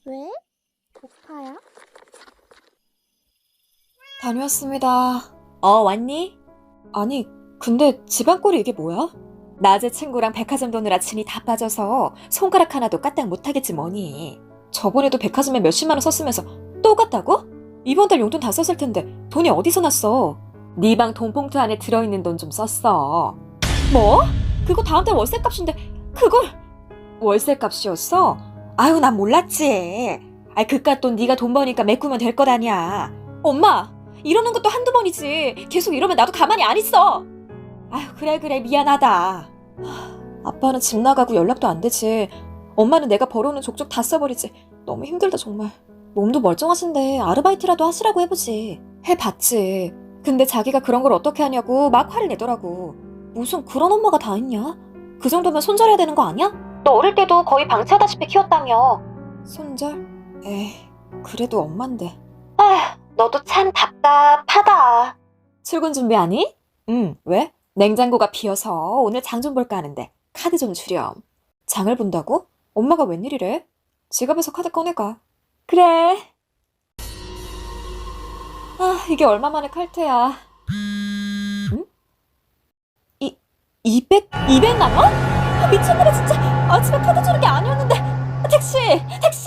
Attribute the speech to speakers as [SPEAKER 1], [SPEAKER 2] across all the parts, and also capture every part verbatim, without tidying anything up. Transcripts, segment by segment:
[SPEAKER 1] 왜? 고파요?
[SPEAKER 2] 다녀왔습니다. 어, 왔니? 아니, 근데 집안꼴이 이게 뭐야? 낮에 친구랑 백화점 도느라 진이 다 빠져서 손가락 하나도 까딱 못하겠지 뭐니. 저번에도 백화점에 몇십만 원 썼으면서 또 갔다고? 이번 달 용돈 다 썼을 텐데 돈이 어디서 났어? 네 방 돈봉투 안에 들어있는 돈 좀 썼어. 뭐? 그거 다음 달 월세값인데 그걸... 월세값이었어? 아유, 난 몰랐지. 아이, 그깟 돈 네가 돈 버니까 메꾸면 될 것 아니야. 엄마! 이러는 것도 한두 번이지. 계속 이러면 나도 가만히 안 있어. 아휴, 그래 그래, 미안하다. 하, 아빠는 집 나가고 연락도 안 되지. 엄마는 내가 벌어오는 족족 다 써버리지. 너무 힘들다 정말. 몸도 멀쩡하신데 아르바이트라도 하시라고 해보지. 해봤지. 근데 자기가 그런 걸 어떻게 하냐고 막 화를 내더라고. 무슨 그런 엄마가 다 있냐? 그 정도면 손절해야 되는 거 아니야? 너 어릴 때도 거의 방치하다시피 키웠다며. 손절? 에이, 그래도 엄만데. 아휴, 너도 참 답답하다. 출근 준비하니? 응, 왜? 냉장고가 비어서 오늘 장 좀 볼까 하는데 카드 좀 주렴. 장을 본다고? 엄마가 웬일이래? 지갑에서 카드 꺼내가. 그래. 아, 이게 얼마 만에 칼퇴야. 응? 이, 이백, 이백만 원? 아, 미쳤나봐 진짜. 아침에 카드 주는 게 아니었는데. 택시! 택시!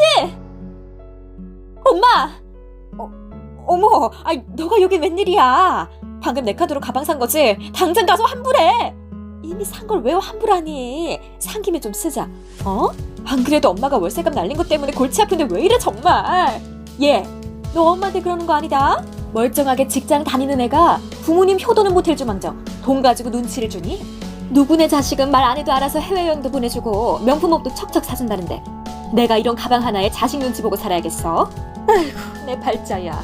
[SPEAKER 2] 엄마! 어, 어머, 아이, 너가 여기 웬일이야? 방금 내 카드로 가방 산 거지? 당장 가서 환불해! 이미 산 걸 왜 환불하니? 산 김에 좀 쓰자. 어? 안 그래도 엄마가 월세값 날린 것 때문에 골치 아픈데 왜 이래 정말? 얘, 너 엄마한테 그러는 거 아니다? 멀쩡하게 직장 다니는 애가 부모님 효도는 못할 줄망정 돈 가지고 눈치를 주니? 누구네 자식은 말 안 해도 알아서 해외여행도 보내주고 명품 옷도 척척 사준다는데 내가 이런 가방 하나에 자식 눈치 보고 살아야겠어? 아이고, 내 발자야.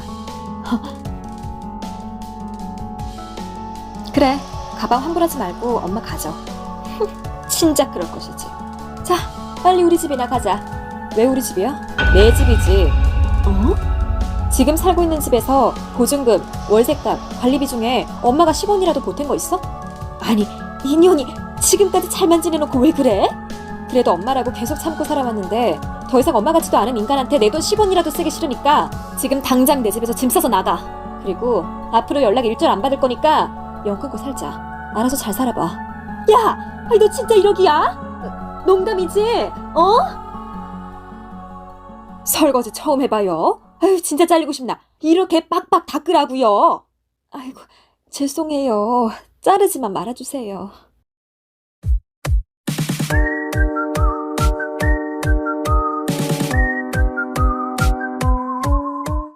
[SPEAKER 2] 그래, 가방 환불하지 말고 엄마 가져. 진작 그럴 것이지. 자, 빨리 우리 집이나 가자. 왜 우리 집이야? 내 집이지. 어? 지금 살고 있는 집에서 보증금, 월세값, 관리비 중에 엄마가 십 원이라도 보탠 거 있어? 아니, 인연이 지금까지 잘만 지내놓고 왜 그래? 그래도 엄마라고 계속 참고 살아왔는데 더 이상 엄마 같지도 않은 인간한테 내 돈 십 원이라도 쓰기 싫으니까 지금 당장 내 집에서 짐 싸서 나가. 그리고 앞으로 연락 일절 안 받을 거니까 연 끊고 살자. 알아서 잘 살아봐. 야! 아니 너 진짜 이러기야? 농담이지? 어? 설거지 처음 해봐요. 아유, 진짜 잘리고 싶나. 이렇게 빡빡 닦으라고요. 아이고, 죄송해요. 자르지만 말아주세요.